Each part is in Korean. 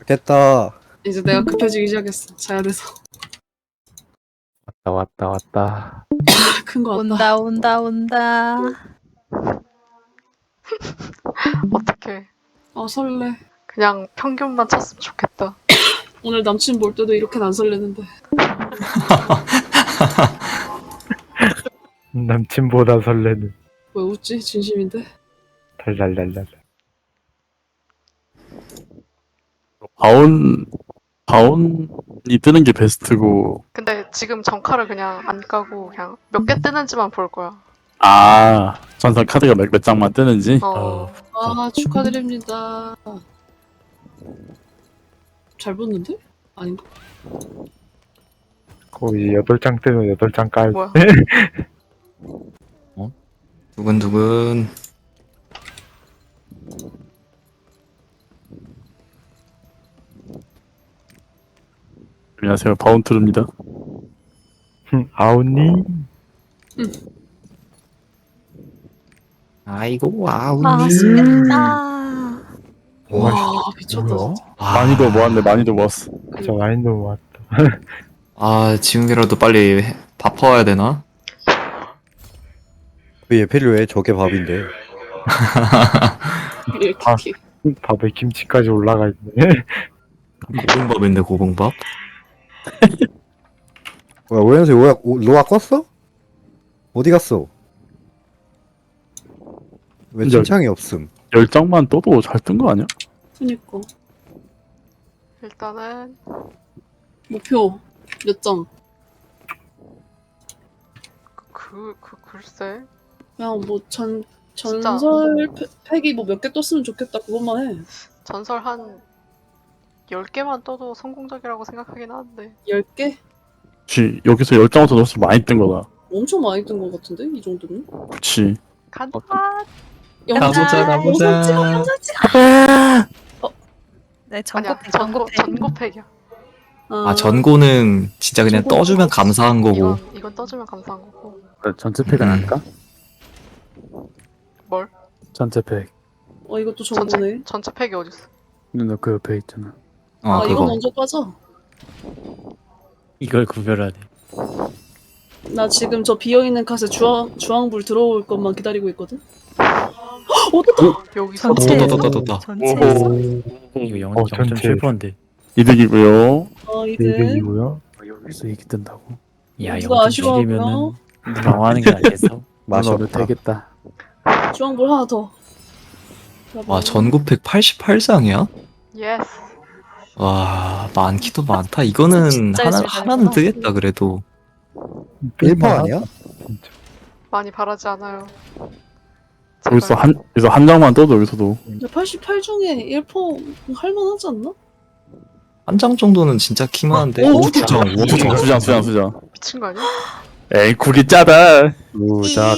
깼다. 이제 내가 급해지기 시작했어. 자야 돼서. 왔다. 큰 거 같다. 온다. 어떡해. 아 설레. 그냥 평균만 찼으면 좋겠다. 오늘 남친 볼 때도 이렇게는 안 설레는데. 남친보다 설레는 왜 웃지? 진심인데. 달달달달. 바온이 뜨는 게 베스트고. 근데 지금 정카를 그냥 안 까고 그냥 몇 개 뜨는지만 볼 거야. 아, 전설 카드가 몇 장만 뜨는지. 아 축하드립니다. 잘 붙는데? 아닌가? 거의 8장 뜨면 8장 깔. 뭐야? 두근두근. 안녕하세요, 바온트루입니다. 아우니? 아이고 아우. 맛있겠다. 와 미쳤다. 뭐야? 진짜. 많이도 모았네, 많이도 모았어. 저 와인도 모았다. 아 지금이라도 빨리 밥 퍼와야 되나? 왜 필요해? 저게 밥인데. 이렇게. 밥에 김치까지 올라가 있네. 고봉밥인데 고봉밥? 뭐야 오연수 로아 껐어? 어디 갔어? 왜 이제- 칭찬이 없음? 10장만 떠도 잘 뜬 거 아니야? 그니까. 일단은 목표 몇 장? 글쎄. 그냥 뭐 진짜. 전설 팩이 뭐 몇 개 떴으면 좋겠다 그것만 해. 전설 한 10개만 떠도 성공적이라고 생각하긴 하는데. 10개? 그치, 여기서 10장부터 넣었으면 많이 뜬 거다. 엄청 많이 뜬 것 같은데 이 정도면? 그치. 간다. 가보자. 영상 찍어. 네, 아니야. 전고팩이야. 아 전고는 진짜 그냥 전고 떠주면 감사한 거고. 이건 떠주면 감사한 거고. 전체 팩은 아닐까? 뭘? 전체 팩. 이것도 정보네. 전체 팩이 어딨어? 너 그 옆에 있잖아. 아 이거 그거. 먼저 빠져. 이걸 구별하네. 나 지금 저 비어있는 카스에 주황불 들어올 것만 기다리고 있거든. 어떻다. 여기서 전체에서? 떴다. 전체에서? 이거 전체. 0.7%인데. 이득이고요. 이제 이득이고요. 여기서 얘기 뜬다고. 야, 누가 0.7이면은 당황하는 게 아니겠어? 맛이 너를 없다. 되겠다. 주황불 하나 더. 와 전고팩 88장이야? 예스. 와 많기도 많다. 이거는 진짜 열심히 하나는 다녔구나. 뜨겠다 그래도. 1퍼 아니야? 많이 바라지 않아요. 여기서 한 장만 떠도 여기서도. 88 중에 1% 할만하지 않나? 한 장 정도는 진짜 키만한데. 오, 5장. 수장. 미친 거 아니야? 에이, 국이 짜다. 두작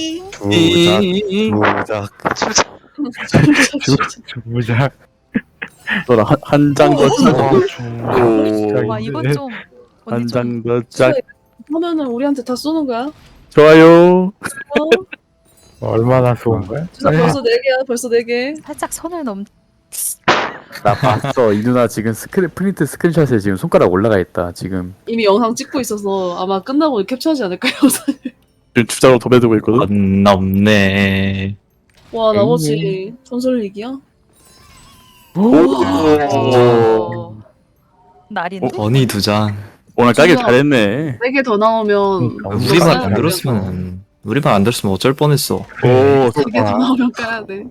두작. 무작. 너랑 한 장 더 짜. 와, 이거 좀 언니 한 좀 장 더 짜. 하면은 우리한테 다 쏘는 거야. 좋아요. 얼마나 좋은 거야? 진짜 벌써 4개야. 벌써 4개. 살짝 선을 넘. 나 봤어. 이 누나 지금 프린트 스크린샷에 지금 손가락 올라가 있다. 지금 이미 영상 찍고 있어서 아마 끝나고 캡처하지 않을까요? 지금 투자로 도배되고 있거든. 안 넘네. 와 나머지 전설 리기야? 오. 날인데? 언니 2장. 오늘 까길 진짜. 잘했네. 4개 더 나오면 우리만 안 까야 들었으면 어쩔 뻔했어. 오, 4개 더 나오면 까야 돼.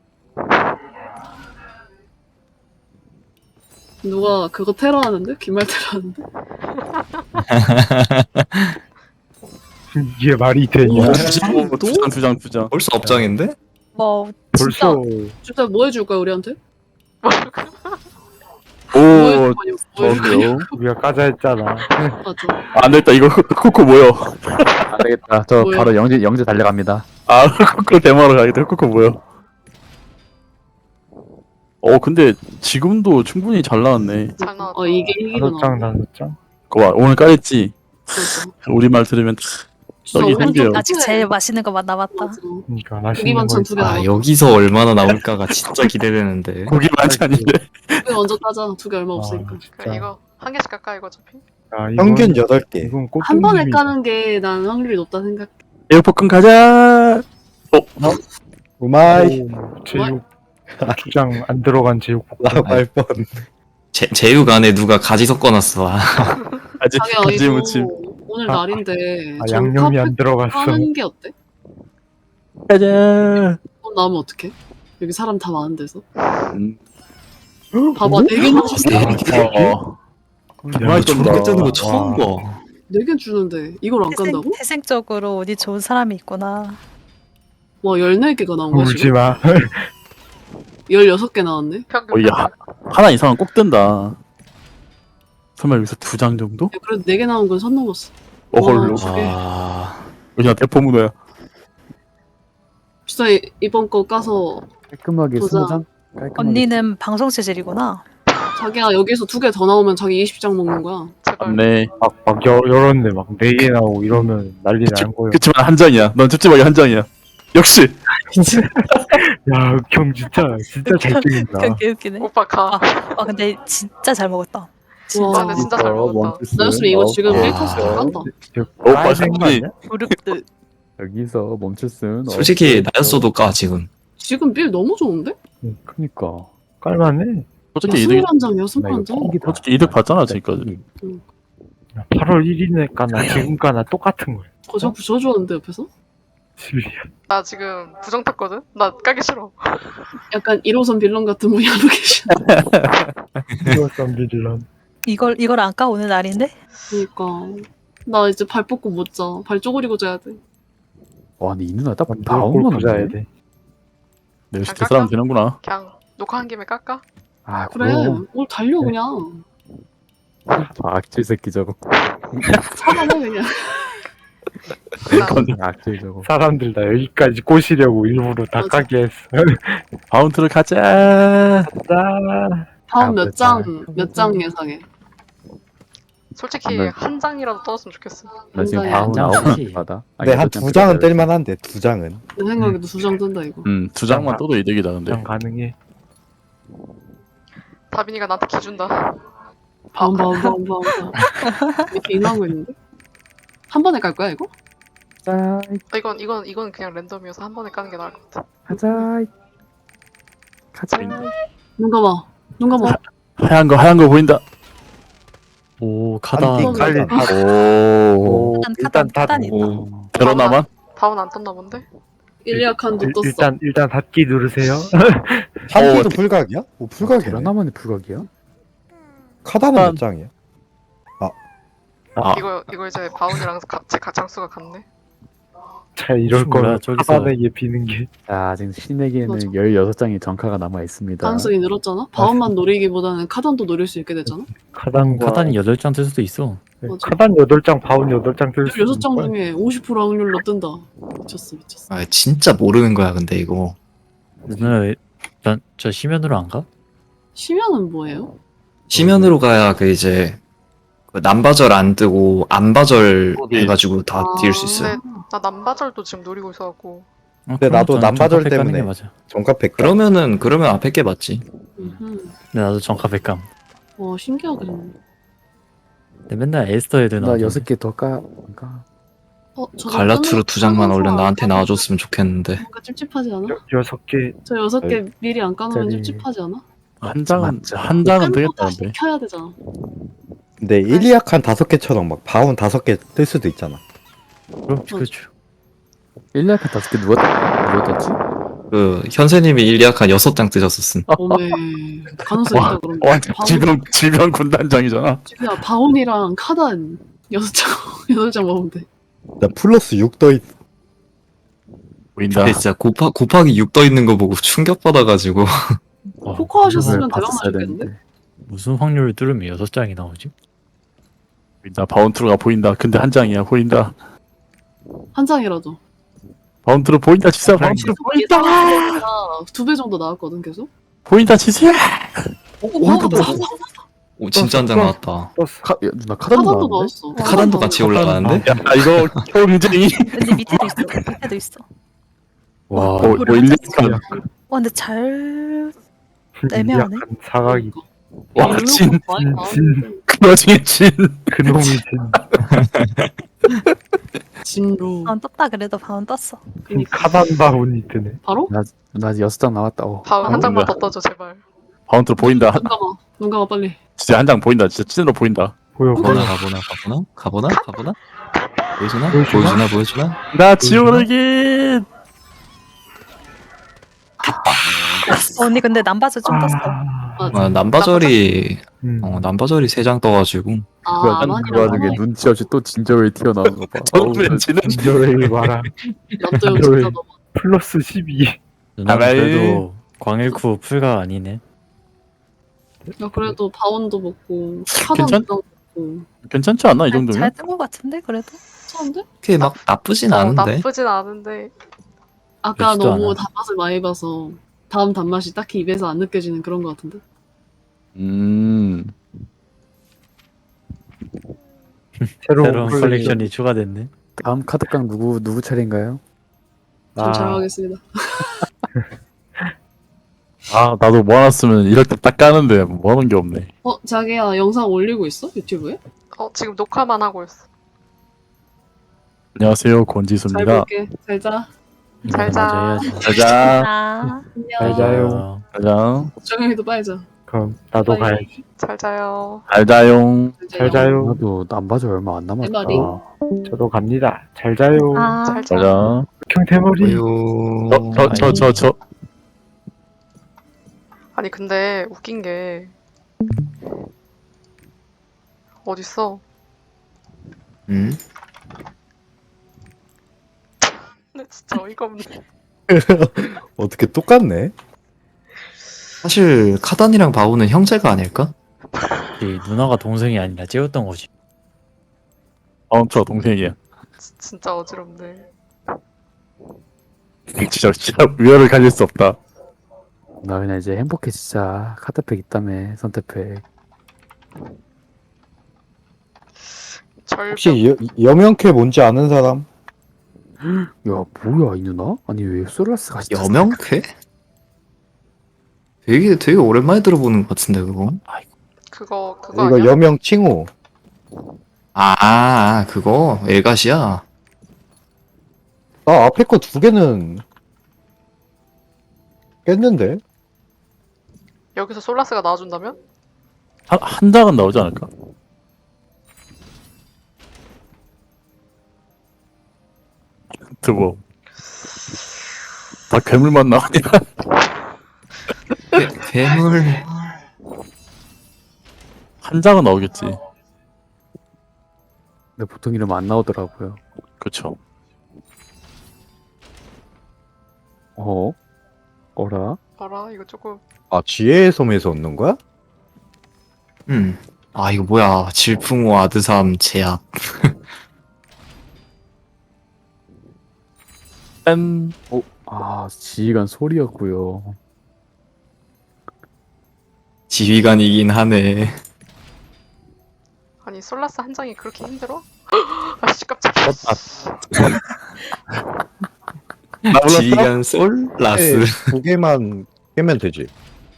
누가 그거 테러 하는데? 기말 테러 하는데? 이게 말이 되냐? 투장. 벌써 업장인데? 뭐 벌써 진짜 뭐 해줄 거야 우리한테? 오, 뭐 해줄 거냐? 뭐 해줄 거냐? 좋은데요? 우리가 까자 했잖아. 맞아. 안 되겠다. 이거 코코 모여. 안 되겠다. 저 뭐야? 바로 영재 달려갑니다. 아, 코코 데모하러 가겠다. 코코 모여. 근데 지금도 충분히 잘 나왔네. 잘 나왔다. 이게 이기구나. 5장. 그거 봐, 오늘 까였지? 그렇죠. 우리 말 들으면 진짜 여기 오늘 생겨요. 좀 아직 후회. 제일 맛있는 것만 남았다. 맞아. 그러니까 고기 맛있는 반찬 거 두 개 아 남았다. 여기서 얼마나 나올까가 진짜 기대되는데. 고기 반찬인데. 두개 먼저 따자. 두 개 얼마 아, 없으니까. 진짜. 그래, 이거 한 개씩 깎아 이거 어차피. 아, 이건- 평균 8개. 이건 한 번에 꽃등심이다. 까는 게 난 확률이 높다 생각. 에어포큰 가자. 우마이. 오, 제육 주장 안 들어간 제육볶음. 라고 할 뻔. 제육 안에 누가 가지 섞어놨어. 아, 아직 자기야 가지 이거 무침. 오늘 아, 날인데 아, 양념이 안 들어갔어. 까는 게 어때? 가자. 돈 나오면 어떡해? 여기 사람 다 많은 데서. 음. 봐봐 4개 주는데 어. 정말 저렇게 뜨는 거 처음 와. 봐. 4개 주는데 이걸 안 깐다고? 태생적으로 운이 좋은 사람이 있구나. 와 14개가 나온 거야 울지 지금? 마. 16개 나왔네? 평균. 야, 하나 이상은 꼭 뜬다. 설마 여기서 2장 정도? 야, 그래도 4개 나온 건 선 넘었어. 어헐로. 와, 저게 아, 그냥 대포 문어야. 진짜 이번 거 까서 깔끔하게 보자. 20장? 깔끔하게. 언니는 방송 체질이구나. 자기야 여기서 2개 더 나오면 자기 20장 먹는 거야. 제발. 맞네. 막 열었네. 막 4개 나오고 이러면 난리 난 거예요. 그치만 한 장이야. 넌 찝찝하게 한 장이야. 역시. 야, 흑형 진짜 잘 찍는다. 그게 웃기네. 오빠 가. 아 근데 진짜 잘 먹었다. 와, 진짜. 근데 진짜 잘 먹었다. 나였으면 이거 지금 아. 1타스 다 깐다. 오빠 빨간 거 솔직히 아니야? 무릎드. 여기서 멈출 순 솔직히 없어. 나였어도 까 지금. 지금 빌 너무 좋은데? 그니까. 깔만해. 솔직히 이득 21장, 나 이거 6장? king 솔직히 이득 봤잖아 지금까지. 8월 1일에 까나 지금 까나 똑같은 거야. 저 부셔주었는데 옆에서? 실이야. 나 지금 부정 탔거든? 나 까기 싫어. 약간 1호선 빌런 같은 분이 하고 계시네. 이어선 빌런. 이걸 안 까 오는 날인데? 그니까. 나 이제 발 뻗고 못 자. 발 쪼그리고 자야 돼. 와, 근데 이 누나 딱 완전 바운만 골프 자야 없네. 돼. 내 역시 대사람 되는구나. 그냥 녹화한 김에 깎아? 아, 그래. 그럼. 오늘 달려 그냥. 악질 새끼 저거. 차단해 그냥. 악질 저거. 사람들 다 여기까지 꼬시려고 일부러 다 맞아. 까게 했어. 바운트를 가자. 자, 다음 몇 보자. 장, 몇 장 예상해. 솔직히 네. 한 장이라도 떠줬으면 좋겠어. 나 지금 한 바운 장이야. 9장 받아. 근데 한 2장은 뜰만 한데 2장은. 내 생각에도 2장 뜬다 이거. 2장만 떠도 이득이다 근데. 그냥 가능해. 다빈이가 나한테 기준다. 바운. 이렇게 인하고 있는데? 한 번에 깔 거야 이거? 자, 이건 그냥 랜덤이어서 한 번에 까는 게 나을 것 같아. 가자. 가자. 눈 감아. 눈 감아. 하얀 거 보인다. 오 카다. 한 띵, 칼리. 오. 카단 다 카단 있다. 오. 베로나만? 다운 안 떴나 본데? 일리아칸도 떴어. 일단 닫기 누르세요. 한기도 불각이야? 오, 불각이네. 베러나만의 불각이야? 카다는 몇 장이야? 아. 이거 이제 바운이랑 제 장수가 같네. 자, 이럴 뭐야, 거면 저기서. 카바에게 비는 게. 자, 지금 신에게는 맞아. 16장의 정카가 남아 있습니다. 가능성이 늘었잖아? 바운만 노리기보다는 카단도 노릴 수 있게 됐잖아? 카단과 카단이 8장 뜰 수도 있어. 네, 맞아. 카단 8장, 바운 8장 뜰 수 있는 16장 거야. 중에 50% 확률로 뜬다. 미쳤어. 아 진짜 모르는 거야 근데 이거. 누나 왜저 시면으로 안 가? 시면은 뭐예요? 시면으로 가야 그 이제 그 남바절 안 뜨고 안바절 어디? 해가지고 다 뛸 수 있어요. 네. 나 남바절도 지금 노리고 있어갖고. 근데 나도 그럼 전 남바절 정카팩 가는 때문에. 게 맞아. 정가 100장. 그러면 앞에 게 맞지. 음흠. 근데 나도 정카팩 감. 와 신기하게. 근데 맨날 에스터 애들 나 나와. 6개 더 까. 저 갈라투르 2장만 얼른 나한테 나와줬으면 좋겠는데. 뭔가 찝찝하지 않아? 6개. 저 6개 미리 안 까놓으면 저기- 찝찝하지 않아? 한 장은 맞죠. 한 장은 다 되겠다는데. 켜야 되잖아. 근데 일리아칸 5개처럼 막 바운 5개 뜰 수도 있잖아. 그렇죠. 1년 5개 누가 떴지? 그 현세님이 일리아칸 6장 뜨셨었음. 오메 가능성 있다 그럼. 와, 질병 군단장이잖아. 야 바운이랑 카단 6장 8장 먹으면 돼. 나 플러스 6 떠있. 보인다. 근데 진짜 곱하기 6 떠 있는 거 보고 충격받아가지고. 포커 하셨으면 대박 봤었어야 나셨겠는데? 되는데. 무슨 확률을 뚫으면 6장이 나오지? 보인다. 바운트로가 보인다. 근데 한 장이야. 보인다. 한 장이라도. 바운트로 보인다. 진짜 바운트로 보인다. 2배 정도 나왔거든 계속. 보인다. 진짜. 나왔다. 오 진짜 한 장 나왔다. 야, 누나 카단도 하나도 나왔는데? 나왔어. 카단도 같이 올라가는데? 야 이거 경쟁이. 근데 밑에도 있어. 밑에도 있어. 와, 뭐 일리아칸. 근데 잘 애매하네. 약간 사각이 와 진. 많이 진. 나왔는데. 그러지 진. 그놈이 진 진로. 바운 떴다 그래도 바운 떴어. 카단 바운이 뜨네. 바로? 나 아직 6장 남았다. 바운 한 아, 장만 뭐야. 더 떠줘 제발. 바운트로 보인다. 눈 감아 빨리. 진짜 한 장 보인다. 진짜 찐으로 보인다. 보여 보여. 가보나? 보여주나? 나 지오르긴. 언니 근데 남바즈 좀 떴어. 아, 남바절이 음. 남바절이 3장 떠가지고 그 와중에 눈치 없이 또 진저웨이 튀어나오는 거 봐. 어우, 저는 지는. 진저웨이 봐라. 납도형 진짜 너무. 플러스 12. 누나는 아라이. 그래도 광일쿠 풀가 아니네. 야 그래도 바운도 먹고 괜찮- 카단도 먹고. 괜찮지 않나 이 정도면? 잘 뜬 것 같은데 그래도. 괜찮은데? 그게 막 나쁘진 않은데. 나쁘진 않은데 아까 그렇지도 너무 않아. 단맛을 많이 봐서 다음 단맛이 딱히 입에서 안 느껴지는 그런 것 같은데. 새로운 컬렉션이 추가됐네. 다음 카드깡 누구 차례인가요? 좀 잘하겠습니다. 아 나도 모아놨으면 이럴 때 딱 까는데 모아놓은 게 없네. 자기야 영상 올리고 있어? 유튜브에? 지금 녹화만 하고 있어. 안녕하세요 잘 권지수입니다. 볼게. 잘 자. 잘 자. 맞아 해야지. 짜잔. 아 안녕. 자요. 짜잔. 정영이도 빨리 자. 그럼 나도 빠이. 가야지. 잘 자요. 알자용. 잘 자요. 나도 남바절 얼마 안 남았다. 대머리. 저도 갑니다. 잘 자요. 아. 잘 자. 짜잔. 경태머리. 저. 아니 근데 웃긴 게 어딨어? 음. 근데 진짜 어이가 없네. 어떻게 똑같네? 사실 카단이랑 바우는 형제가 아닐까? 이 누나가 동생이 아니라 찌웠던 거지. 저 동생이야. 진짜 어지럽네. 진짜 위협을 가질 수 없다. 나 그냥 이제 행복해 진짜. 카드팩 있다며 선택팩. 절벽. 혹시 여명캐 뭔지 아는 사람? 야 뭐야 이 누나? 아니 왜 솔라스가 진짜 여명캐? 되게 오랜만에 들어보는 것 같은데 그거. 그거 이거 아니야? 여명 칭호. 그거 엘가시야. 나 앞에 거 2개는 깼는데? 여기서 솔라스가 나와준다면? 한 장은 나오지 않을까? 뭐. 다 괴물만 나오냐? 괴물. 한 장은 나오겠지. 근데 보통 이러면 안 나오더라고요. 그쵸. 어라? 알아? 이거 조금 아, 지혜의 섬에서 얻는 거야? 이거 뭐야. 질풍호 아드삼 제약. 짠. 지휘관 소리였고요. 지휘관이긴 하네. 아니 솔라스 한 장이 그렇게 힘들어? 아씨 깜짝이야. 지휘관 솔 라스. 2개만 깨면 되지.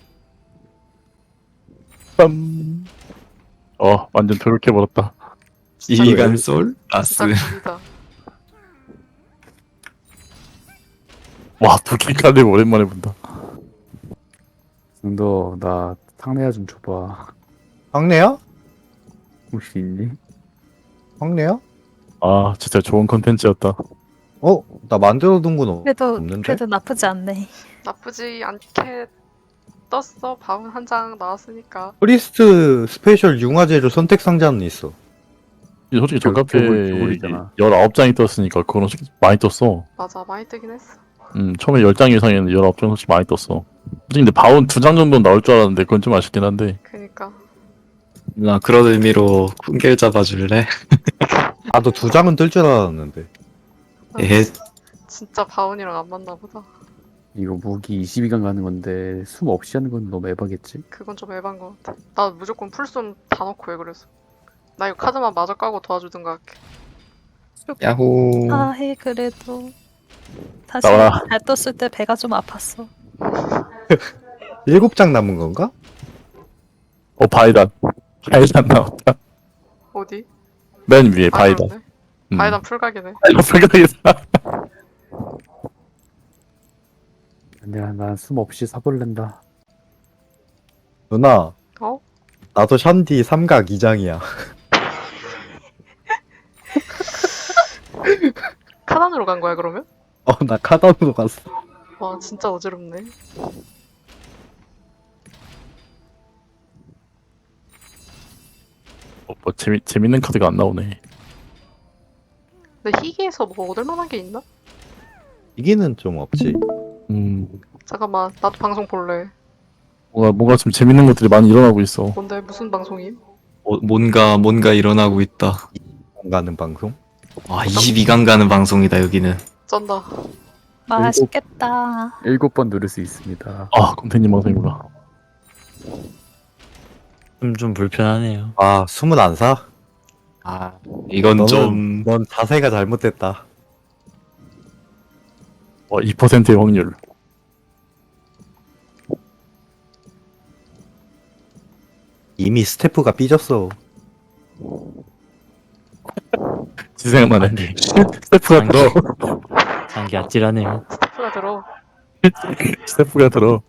빰. 완전 더럽게 버렸다. 지휘관 솔 라스. 진짜 구리다. 와, 도끼 카드 오랜만에 본다. 너 나 상내야 좀 줘봐. 황래야? 혹시 있니? 황래야? 진짜 좋은 컨텐츠였다. 나 만들어둔 건 그래도 없는데? 그래도 나쁘지 않네. 나쁘지 않게 떴어. 바운 한 장 나왔으니까. 프리스트 스페셜 융화제로 선택 상자는 있어. 솔직히 저 카페 겨울이잖아. 19장이 떴으니까 그거는 솔직히 많이 떴어. 맞아 많이 뜨긴 했어. 처음에 10장 이상에는 19장 솔직히 많이 떴어. 솔직히 근데 바운 2장 정도는 나올 줄 알았는데 그건 좀 아쉽긴 한데. 그니까 나 그런 의미로 쿵겔 잡아줄래? 나도 2장은 뜰 줄 알았는데. 예. 진짜 바운이랑 안 맞나 보다. 이거 무기 22강 가는 건데 숨 없이 하는 건 너무 에바겠지? 그건 좀 에반 것 같아. 나 무조건 풀숨 다 넣고 해 그래서. 나 이거 카드만 마저 까고 도와주든가 할게. 야호. 아해 그래도 다시 나와라. 잘 떴을 때 배가 좀 아팠어. 7장 남은 건가? 바이단. 바이단 나왔다. 어디? 맨 위에 바이단. 그렇네. 바이단 풀각이네. 불가이다. 아니야 난 숨 없이 사볼랜다. 누나, 어? 나도 샨디 3각 2장이야. 카단으로 간 거야 그러면? 나 카단으로 갔어. 와 진짜 어지럽네. 뭐 재밌는 카드가 안 나오네. 근데 희귀에서 뭐 얻을 만한 게 있나? 이기는 좀 없지. 잠깐만 나도 방송 볼래. 뭔가 좀 재밌는 것들이 많이 일어나고 있어. 뭔데 무슨 방송임? 뭔가 일어나고 있다. 가는 방송? 와, 22강 가는 방송이다, 여기는. 쩐다. 맛있겠다. 7번 누를 수 있습니다. 곰탱님 방송이구나. 좀 불편하네요. 아, 숨은 안 사? 이건 좀. 넌 자세가 잘못됐다. 2%의 확률. 이미 스태프가 삐졌어. 지 생각나네. 아니. 스태프가 들어. 장기 아찔하네요. 스태프가 들어. 스태프가 들어.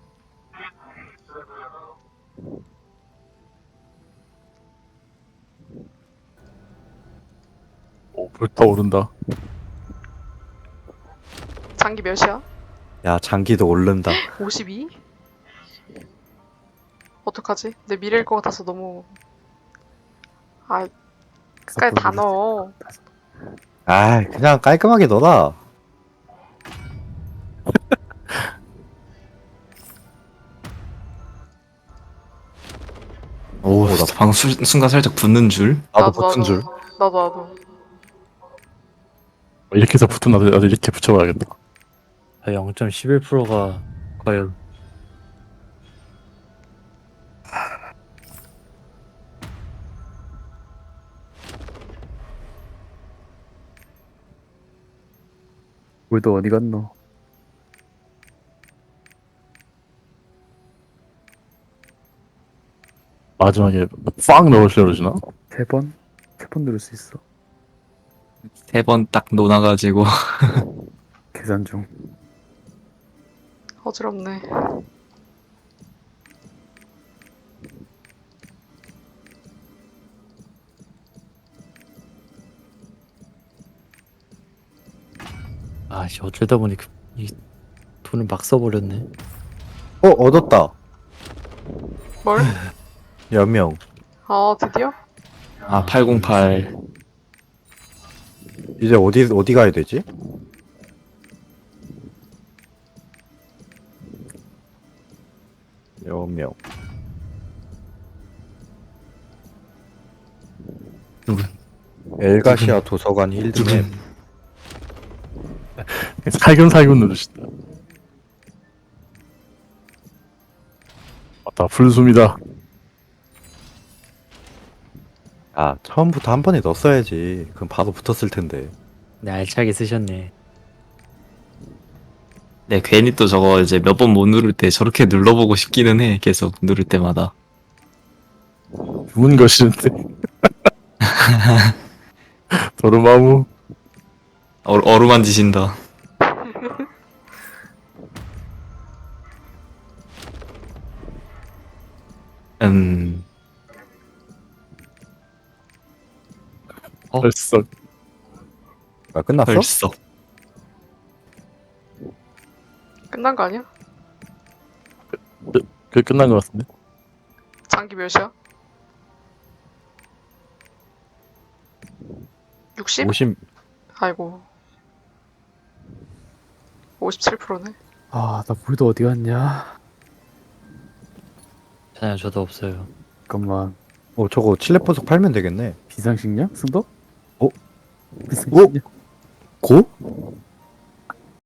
불타오른다. 장기 몇이야? 야, 장기도 오른다. 52? 어떡하지? 내 미래일 것 같아서 너무 끝까지 다 넣어. 아, 그냥 깔끔하게 넣어라. 오, 나 순간 살짝 붙는 줄. 나도 붙은 줄. 나도. 이렇게 해서 붙은 나도 이렇게 붙여봐야겠다. 0.11%가 과연 우리도 어디 갔노? 마지막에 팍 넣으시려 그러시나? 3번? 3번 누를 수 있어. 3번 딱 놓아가지고. 계산 중. 어지럽네. 아씨 어쩌다 보니 이 돈을 막 써버렸네. 얻었다. 뭘? 연명. 드디어? 808. 이제 어디 가야 되지? 연명. 엘가시아 도서관 힐드맵. 살금살금 누르시다. 맞다, 불숨이다. 아, 처음부터 한 번에 넣었어야지. 그럼 바로 붙었을 텐데. 네 알차게 쓰셨네. 네, 괜히 또 저거 이제 몇 번 못 누를 때 저렇게 눌러보고 싶기는 해. 계속 누를 때마다. 죽은 것이는데. 도르마무. 어루만지신다. 벌써. 아, 끝났어? 벌써. 끝난 거 아니야? 끝난 것 같은데. 장기 몇이야? 60? 50. 아이고. 57%네. 나 우리도 어디 갔냐? 괜찮아요 저도 없어요. 잠깐만. 저거 칠레 보석 팔면 되겠네. 비상식량? 승덕? 어? 비상식량? 고?